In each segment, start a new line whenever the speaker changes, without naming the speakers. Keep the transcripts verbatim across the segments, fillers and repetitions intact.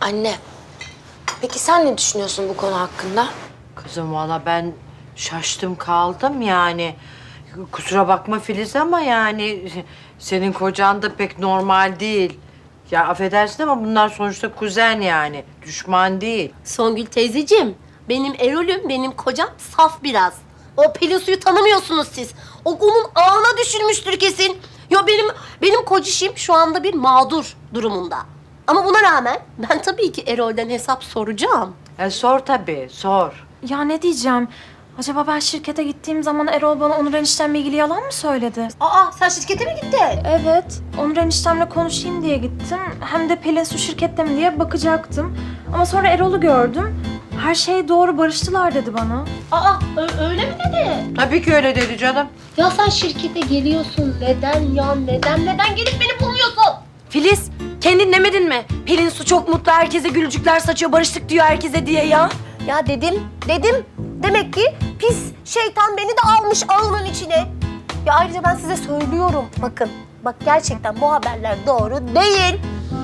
Anne, peki sen ne düşünüyorsun bu konu hakkında?
Kızım valla ben şaştım kaldım yani. Kusura bakma Filiz ama yani senin kocan da pek normal değil. Ya affedersin ama bunlar sonuçta kuzen yani. Düşman değil.
Songül teyzeciğim, benim Erol'üm, benim kocam saf biraz. O Pelin Su'yu tanımıyorsunuz siz. O onun ağına düşülmüştür kesin. Yo benim benim kocişim şu anda bir mağdur durumunda. Ama buna rağmen ben tabii ki Erol'den hesap soracağım.
E, sor tabii, sor.
Ya ne diyeceğim? Acaba ben şirkete gittiğim zaman Erol bana Onur eniştemle ilgili yalan mı söyledi?
Aa sen şirkete mi gittin?
Evet. Onur eniştemle konuşayım diye gittim. Hem de Pelin Su şirkette mi diye bakacaktım. Ama sonra Erol'u gördüm. Her şey doğru, barıştılar dedi bana.
Aa ö- öyle mi dedi?
Tabii ki öyle dedi canım.
Ya sen şirkete geliyorsun. Neden ya? Neden neden gelip beni bulmuyorsun?
Filiz, kendin demedin mi? Pelin Su çok mutlu, herkese gülücükler saçıyor, barıştık diyor herkese diye ya.
Ya dedim, dedim. Demek ki pis şeytan beni de almış ağının içine. Ya ayrıca ben size söylüyorum. Bakın, bak gerçekten bu haberler doğru değil.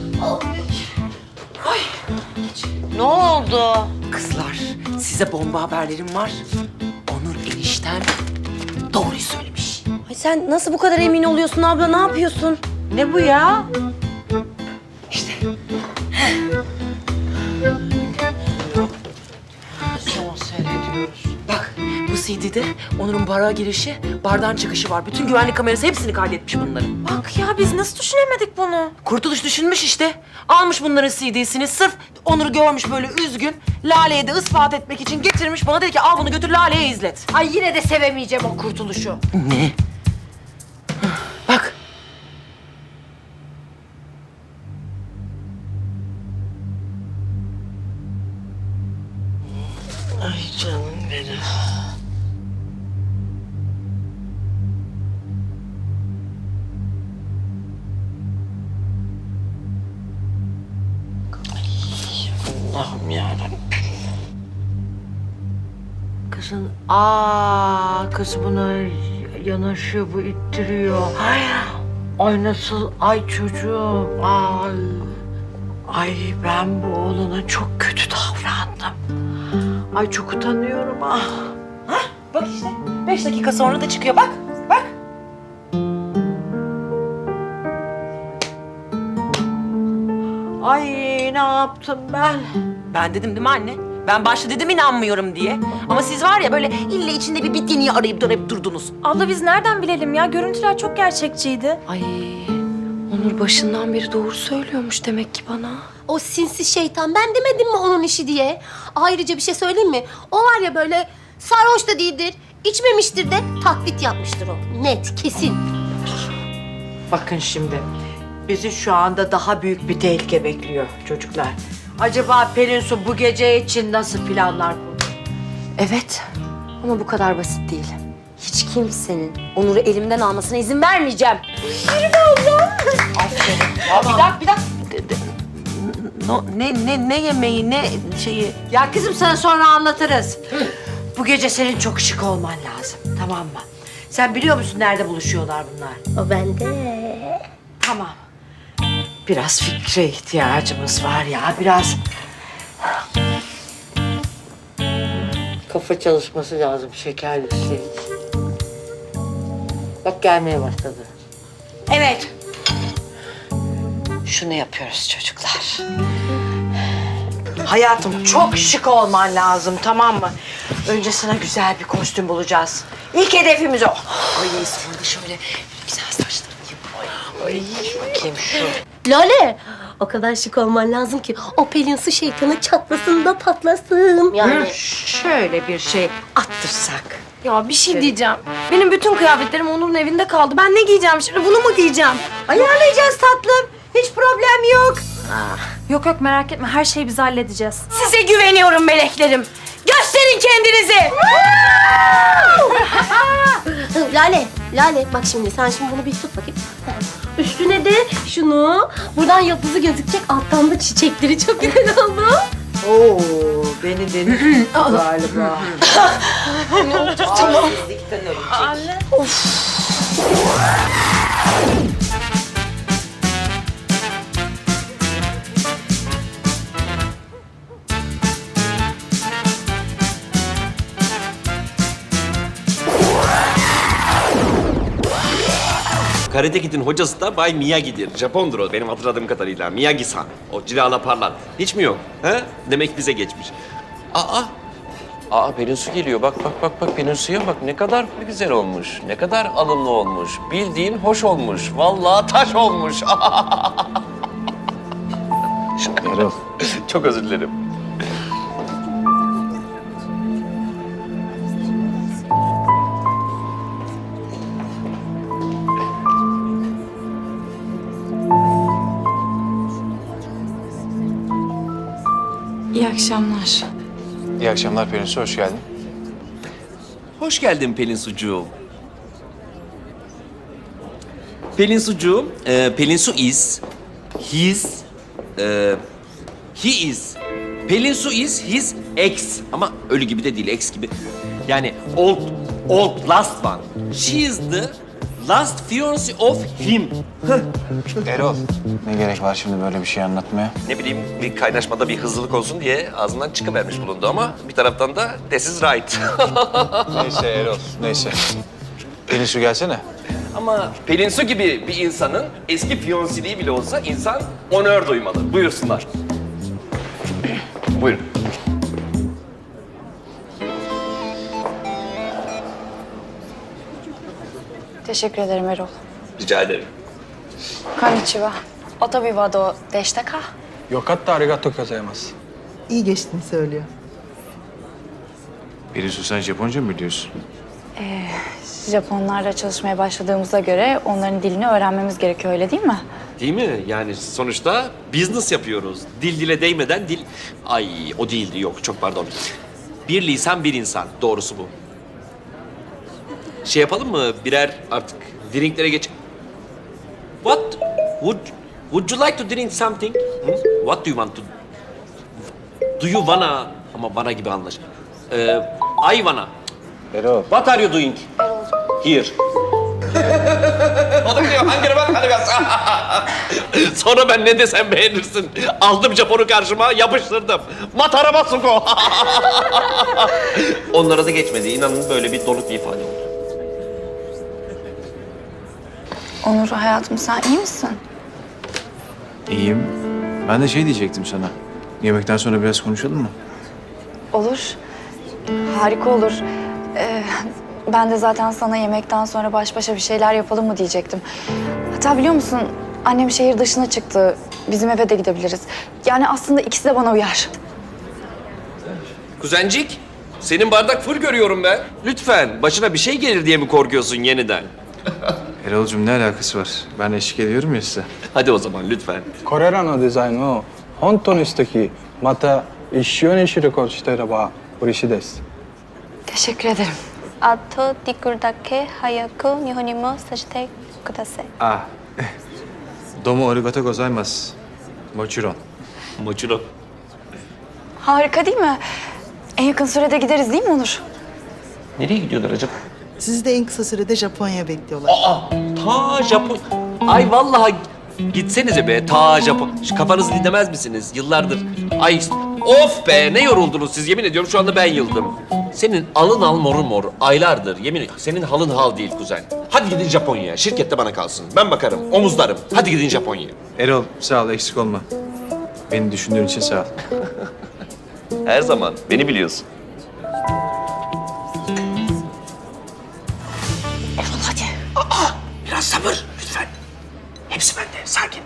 Ne oldu?
Kızlar, size bomba haberlerim var. Onur eniştem doğruyu söylemiş.
Ay sen nasıl bu kadar emin oluyorsun abla, ne yapıyorsun?
Ne bu ya?
İşte
Son seyrediyoruz.
bak, bu C D'de Onur'un bara girişi, bardan çıkışı var. Bütün güvenlik kamerası hepsini kaydetmiş bunların.
Bak ya biz nasıl düşünemedik bunu?
Kurtuluş düşünmüş işte. Almış bunların C D'sini, sırf Onur'u görmüş böyle üzgün. Lale'ye de ispat etmek için getirmiş. Bana dedi ki al bunu götür Lale'ye izlet.
Ay yine de sevemeyeceğim o kurtuluşu.
Ne? Bak.
Ay canım benim. Allah'ım yarabbim. Kızın, aa kız buna yanaşıyor, bu ittiriyor. Ay, ay nasıl, ay çocuğum, ay. Ay ben bu oğlana çok kötü davrandım. Ay çok utanıyorum ah.
Hah, bak işte. Beş dakika sonra da çıkıyor. Bak, bak.
Ay ne yaptım ben?
Ben dedim değil mi anne? Ben başta dedim inanmıyorum diye. Ama siz var ya böyle ille içinde bir bittiğini arayıp dönüp durdunuz.
Abla biz nereden bilelim ya? Görüntüler çok gerçekçiydi.
Ay, Onur başından beri doğru söylüyormuş demek ki bana.
O sinsi şeytan, ben demedim mi onun işi diye? Ayrıca bir şey söyleyeyim mi? O var ya böyle sarhoş da değildir, içmemiştir de taklit yapmıştır o. Net, kesin.
Bakın şimdi, bizi şu anda daha büyük bir tehlike bekliyor çocuklar. Acaba Pelin Su bu gece için nasıl planlar kurdu?
Evet ama bu kadar basit değil. Hiç kimsenin Onur'u elimden almasına izin vermeyeceğim.
Bir dakika, bir dakika. No, ne, ne, ne yemeği, ne şeyi?
Ya kızım sana sonra anlatırız. Bu gece senin çok şık olman lazım, tamam mı? Sen biliyor musun nerede buluşuyorlar bunlar?
O bende.
Tamam. Biraz fikre ihtiyacımız var ya, biraz... Kafa çalışması lazım, şekerli şey. Bak gelmeye başladı. Evet. Şunu yapıyoruz çocuklar. Hayatım çok şık olman lazım, tamam mı? Önce sana güzel bir kostüm bulacağız. İlk hedefimiz o.
Ay sonra da şöyle güzel saçlarını yapayım.
Ay, bakayım şu.
Lale, o kadar şık olman lazım ki o Pelin Su şeytanı çatlasın da patlasın. Yani
Şöyle bir şey attırsak.
Ya bir şey diyeceğim. Benim bütün kıyafetlerim Onur'un evinde kaldı. Ben ne giyeceğim şimdi? Bunu mu giyeceğim?
Ayarlayacağız tatlım. Hiç problem yok.
Yok yok merak etme, her şeyi biz halledeceğiz.
Size güveniyorum meleklerim. Gösterin kendinizi.
Lale, Lale bak şimdi sen şimdi bunu bir tut bakayım. Üstüne de şunu, buradan yıldızı gözükecek, alttan da çiçekleri çok güzel oldu.
Oo, beni deniz galiba.
Tamam. Fizikten ölecek.
Karate Kid'in hocası da Bay Miyagi'dir. Japondur o benim hatırladığım kadarıyla. Miyagi-san. O cilala parlan. Hiç mi yok? He? Demek bize geçmiş. Aa! Aa Pelin Su geliyor. Bak bak bak bak Pelin Su'ya bak. Ne kadar güzel olmuş. Ne kadar alımlı olmuş. Bildiğin hoş olmuş. Vallahi taş olmuş.
Erol.
Çok özür dilerim.
İyi akşamlar.
İyi akşamlar Pelin Su, hoş geldin.
Hoş geldin Pelin Sucuğum. Pelin Sucuğum, e, Pelin Su is, his, e, he is. Pelin Su is his ex. Ama ölü gibi de değil, ex gibi. Yani old, old last one. She is the last fiancé of him.
Erol, ne gerek var şimdi böyle bir şey anlatmaya?
Ne bileyim bir kaynaşmada bir hızlılık olsun diye ağzından çıkıvermiş bulundu ama bir taraftan da this is right.
Neyse Erol, neyse. Pelin Su gelsene.
Ama Pelin Su gibi bir insanın eski fiyonsiliği bile olsa insan onör duymalı. Buyursunlar. Buyurun.
Teşekkür ederim Erol.
Rica ederim.
Konnichiwa. Otobi wa do deshita ka?
よかったありがとうございます
İyi geçtiğini söylüyor.
Pelin Su sen Japonca mı biliyorsun?
Japonlarla çalışmaya başladığımıza göre onların dilini öğrenmemiz gerekiyor, öyle değil mi?
Değil mi? Yani sonuçta business yapıyoruz. Dil dile değmeden dil... Ay o değildi yok çok pardon. Bir lisan bir insan. Doğrusu bu. Şey yapalım mı? Birer artık drinklere geç... What? Would, would you like to drink something? Hı? What do you want to... Do you wanna... Ama bana gibi anlaş. Ee, I wanna.
Erol.
What are you doing? Here. O da biliyor. Hangine bak hadi biraz. Sonra ben ne desem beğenirsin. Aldım Japon'u karşıma yapıştırdım. Matara Matsuko. Onlara da geçmedi. İnanın böyle bir donuk bir ifade oldu.
Onur hayatım, sen iyi misin?
İyiyim. Ben de şey diyecektim sana. Yemekten sonra biraz konuşalım mı?
Olur. Harika olur. Ee, ben de zaten sana yemekten sonra baş başa bir şeyler yapalım mı diyecektim. Hatta biliyor musun, annem şehir dışına çıktı. Bizim eve de gidebiliriz. Yani aslında ikisi de bana uyar.
Kuzencik, senin bardak full görüyorum ben. Lütfen, başına bir şey gelir diye mi korkuyorsun yeniden?
Erol'cum ne alakası var? Ben eşlik ediyorum ya size.
Hadi o zaman lütfen.
これらのデザインを本当に素敵また一緒に仕事していれば嬉しいです
Teşekkür ederim.
あとできるだけ早く日本にもさせてください。
Ah. Domo arigato gozaimasu. Mochiron.
Mochiro.
Harika değil mi? En yakın sürede gideriz değil mi Onur?
Nereye gidiyorlar acaba?
Sizi de en kısa sürede Japonya bekliyorlar.
Aa, ta Japon. Ay vallahi gitsenize be ta Japon. Şu kafanızı dinlemez misiniz? Yıllardır. Ay of be ne yoruldunuz siz yemin ediyorum şu anda ben yıldım. Senin alın al morun mor aylardır yemin ediyorum. Senin halın hal değil kuzen. Hadi gidin Japonya'ya. Şirkette bana kalsın. Ben bakarım. Omuzlarım. Hadi gidin Japonya'ya.
Erol sağ ol, eksik olma. Beni düşündüğün için sağ ol.
Her zaman. Beni biliyorsun.
Erol hadi. Aa, biraz sabır lütfen. Hepsi bende. Sakin.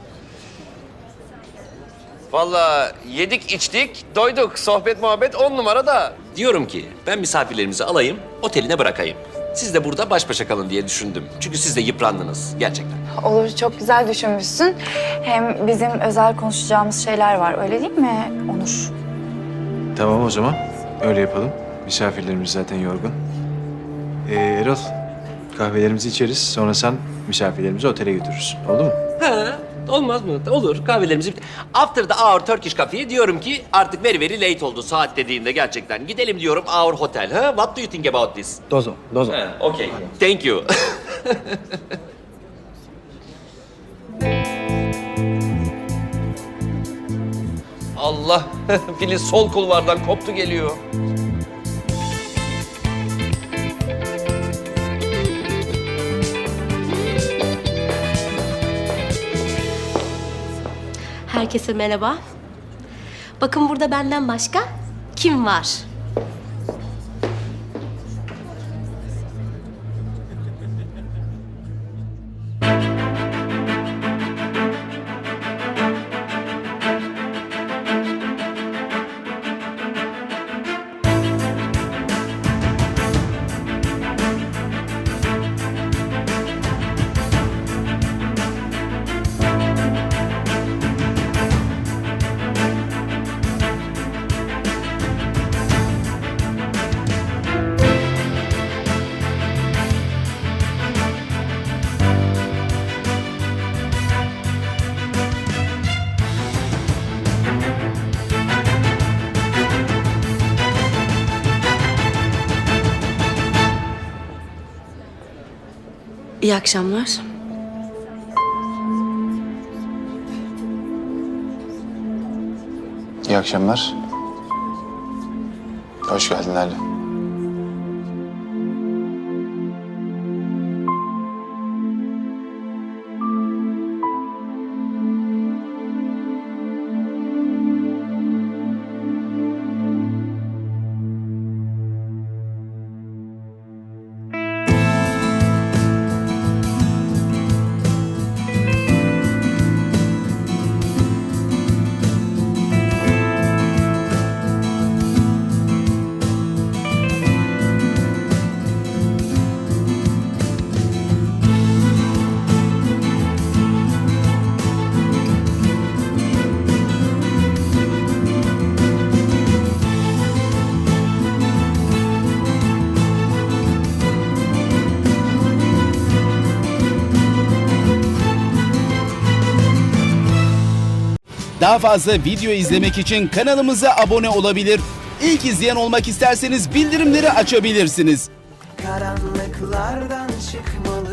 Vallahi yedik içtik, doyduk. Sohbet muhabbet on numara da. Diyorum ki ben misafirlerimizi alayım, oteline bırakayım. Siz de burada baş başa kalın diye düşündüm. Çünkü siz de yıprandınız gerçekten.
Olur, çok güzel düşünmüşsün. Hem bizim özel konuşacağımız şeyler var, öyle değil mi Onur?
Tamam o zaman. Öyle yapalım. Misafirlerimiz zaten yorgun. Ee, Erol, kahvelerimizi içeriz. Sonra sen misafirlerimizi otele götürürsün. Oldu mu?
Ha, olmaz mı? Olur. Kahvelerimizi... After the hour Turkish Cafe'ye diyorum ki artık very very late oldu saat dediğinde gerçekten. Gidelim diyorum our hotel. Ha? What do you think about this?
どうぞどうぞ
Ha, okay. Thank you. Allah, Filiz sol kulvardan koptu geliyor.
Herkese merhaba. Bakın burada benden başka kim var?
İyi akşamlar.
İyi akşamlar. Hoş geldin Lale.
Daha fazla video izlemek için kanalımıza abone olabilir. İlk izleyen olmak isterseniz bildirimleri açabilirsiniz.
Karanlıklardan çıkmalı.